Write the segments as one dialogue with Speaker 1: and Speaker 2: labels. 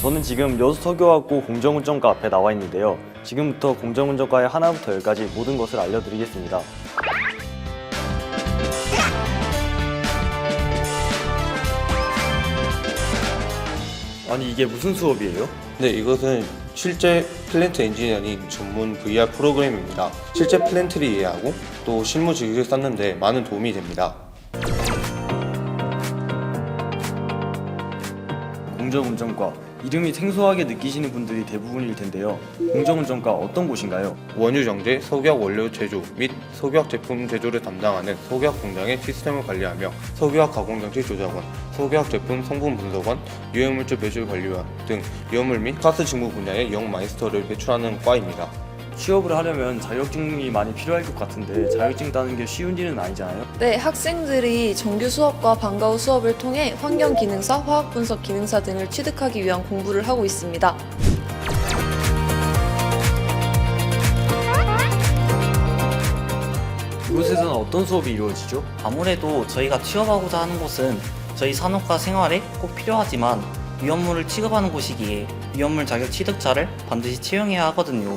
Speaker 1: 저는 지금 여수서교학고 공정운전과 앞에 나와 있는데요. 지금부터 공정운전과의 하나부터 열까지 모든 것을 알려드리겠습니다. 아니 이게 무슨 수업이에요?
Speaker 2: 네, 이것은 실제 플랜트 엔지니어링 전문 VR 프로그램입니다. 실제 플랜트를 이해하고 또 실무 지식을 쌓는데 많은 도움이 됩니다.
Speaker 1: 공정운전과 이름이 생소하게 느끼시는 분들이 대부분일 텐데요. 공정운전과 어떤 곳인가요?
Speaker 2: 원유 정제, 석유학 원료 제조 및 석유학 제품 제조를 담당하는 석유학 공장의 시스템을 관리하며 석유학 가공장치 조작원, 석유학 제품 성분 분석원, 유해물질 배출 관리원 등 유해물 및 가스 직무 분야의 영 마이스터를 배출하는 과입니다.
Speaker 1: 취업을 하려면 자격증이 많이 필요할 것 같은데 자격증 따는 게 쉬운 일은 아니잖아요?
Speaker 3: 네, 학생들이 정규 수업과 방과 후 수업을 통해 환경기능사, 화학분석 기능사 등을 취득하기 위한 공부를 하고 있습니다.
Speaker 1: 이곳에서는 어떤 수업이 이루어지죠?
Speaker 4: 아무래도 저희가 취업하고자 하는 곳은 저희 산업과 생활에 꼭 필요하지만 위험물을 취급하는 곳이기에 위험물 자격 취득자를 반드시 채용해야 하거든요.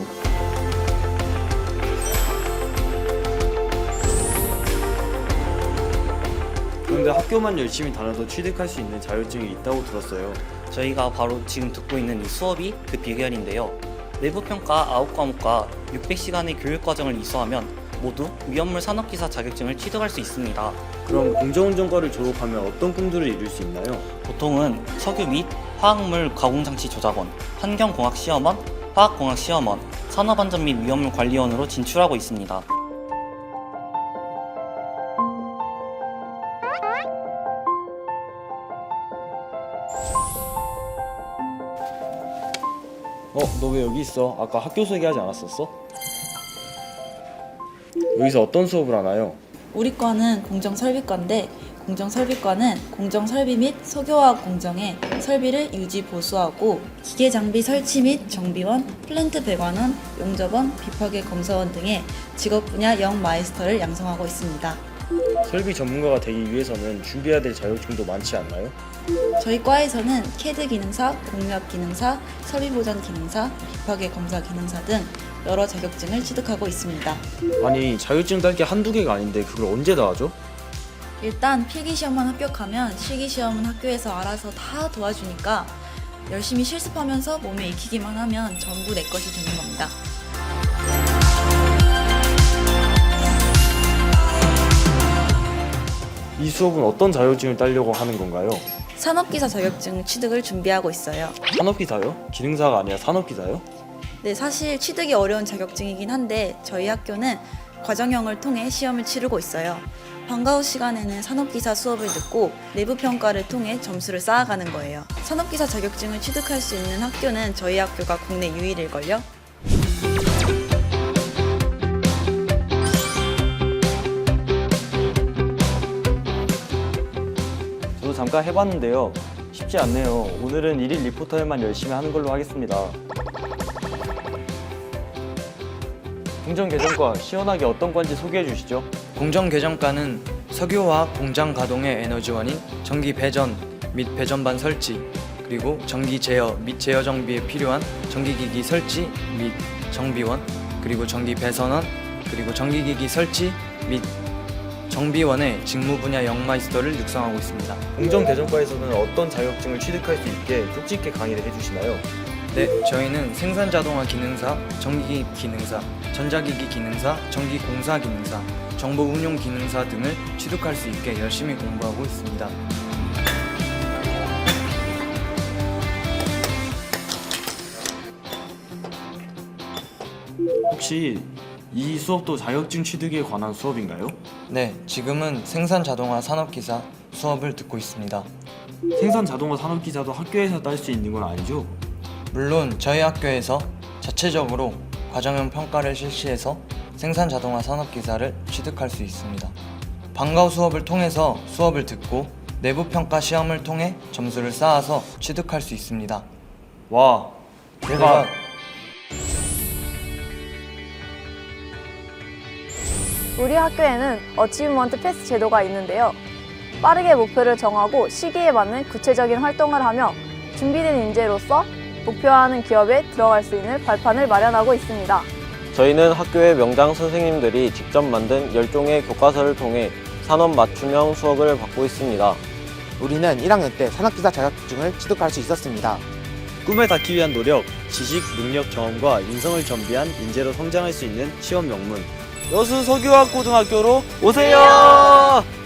Speaker 1: 그런데 학교만 열심히 다녀도 취득할 수 있는 자격증이 있다고 들었어요.
Speaker 4: 저희가 바로 지금 듣고 있는 이 수업이 그 비결인데요. 내부평가 9과목과 600시간의 교육과정을 이수하면 모두 위험물 산업기사 자격증을 취득할 수 있습니다.
Speaker 1: 그럼 공정운전과를 졸업하면 어떤 꿈들을 이룰 수 있나요?
Speaker 4: 보통은 석유 및 화학물 가공장치 조작원, 환경공학시험원, 화학공학시험원, 산업안전 및 위험물 관리원으로 진출하고 있습니다.
Speaker 1: 너 왜 여기 있어? 아까 학교 소개하지 않았었어? 여기서 어떤 수업을 하나요?
Speaker 5: 우리 과는 공정설비과인데 공정설비과는 공정설비 및 석유화학 공정의 설비를 유지 보수하고 기계 장비 설치 및 정비원, 플랜트 배관원, 용접원, 비파괴 검사원 등의 직업 분야 영 마이스터를 양성하고 있습니다.
Speaker 1: 설비 전문가가 되기 위해서는 준비해야 될 자격증도 많지 않나요?
Speaker 5: 저희 과에서는 캐드 기능사, 공력 기능사, 설비 보전 기능사, 비파괴 검사 기능사 등 여러 자격증을 취득하고 있습니다.
Speaker 1: 아니 자격증 딸 게 한두 개가 아닌데 그걸 언제 다 하죠?
Speaker 5: 일단 필기시험만 합격하면 실기시험은 학교에서 알아서 다 도와주니까 열심히 실습하면서 몸에 익히기만 하면 전부 내 것이 되는 겁니다.
Speaker 1: 이 수업은 어떤 자격증을 따려고 하는 건가요?
Speaker 5: 산업기사 자격증 취득을 준비하고 있어요.
Speaker 1: 산업기사요? 기능사가 아니라 산업기사요?
Speaker 5: 네, 사실 취득이 어려운 자격증이긴 한데 저희 학교는 과정형을 통해 시험을 치르고 있어요. 방과 후 시간에는 산업기사 수업을 듣고 내부 평가를 통해 점수를 쌓아가는 거예요. 산업기사 자격증을 취득할 수 있는 학교는 저희 학교가 국내 유일일걸요?
Speaker 1: 저도 잠깐 해봤는데요. 쉽지 않네요. 오늘은 1일 리포터에만 열심히 하는 걸로 하겠습니다. 공정개정과 시원하게 어떤 건지 소개해 주시죠.
Speaker 6: 공정개정과는 석유화학 공장 가동의 에너지원인 전기 배전 및 배전반 설치, 그리고 전기 제어 및 제어 정비에 필요한 전기기기 설치 및 정비원, 그리고 전기 배선원, 그리고 전기기기 설치 및 정비원의 직무 분야 영마이스터를 육성하고 있습니다.
Speaker 1: 공정개정과에서는 어떤 자격증을 취득할 수 있게 쪽 있게 강의를 해주시나요?
Speaker 6: 네, 저희는 생산자동화 기능사, 전기기 기능사, 전자기기 기능사, 전기공사 기능사, 정보운용 기능사 등을 취득할 수 있게 열심히 공부하고 있습니다.
Speaker 1: 혹시 이 수업도 자격증 취득에 관한 수업인가요?
Speaker 6: 네, 지금은 생산자동화 산업기사 수업을 듣고 있습니다.
Speaker 1: 생산자동화 산업기사도 학교에서 딸 수 있는 건 아니죠?
Speaker 6: 물론 저희 학교에서 자체적으로 과정형 평가를 실시해서 생산자동화 산업기사를 취득할 수 있습니다. 방과 후 수업을 통해서 수업을 듣고 내부평가 시험을 통해 점수를 쌓아서 취득할 수 있습니다.
Speaker 1: 와, 대박!
Speaker 7: 우리 학교에는 어치브먼트 패스 제도가 있는데요. 빠르게 목표를 정하고 시기에 맞는 구체적인 활동을 하며 준비된 인재로서 목표하는 기업에 들어갈 수 있는 발판을 마련하고 있습니다.
Speaker 8: 저희는 학교의 명장 선생님들이 직접 만든 10종의 교과서를 통해 산업 맞춤형 수업을 받고 있습니다.
Speaker 9: 우리는 1학년 때 산업기사 자격증을 취득할 수 있었습니다.
Speaker 1: 꿈에 닿기 위한 노력, 지식, 능력, 경험과 인성을 겸비한 인재로 성장할 수 있는 시험 명문 여수 서교학 고등학교로 오세요!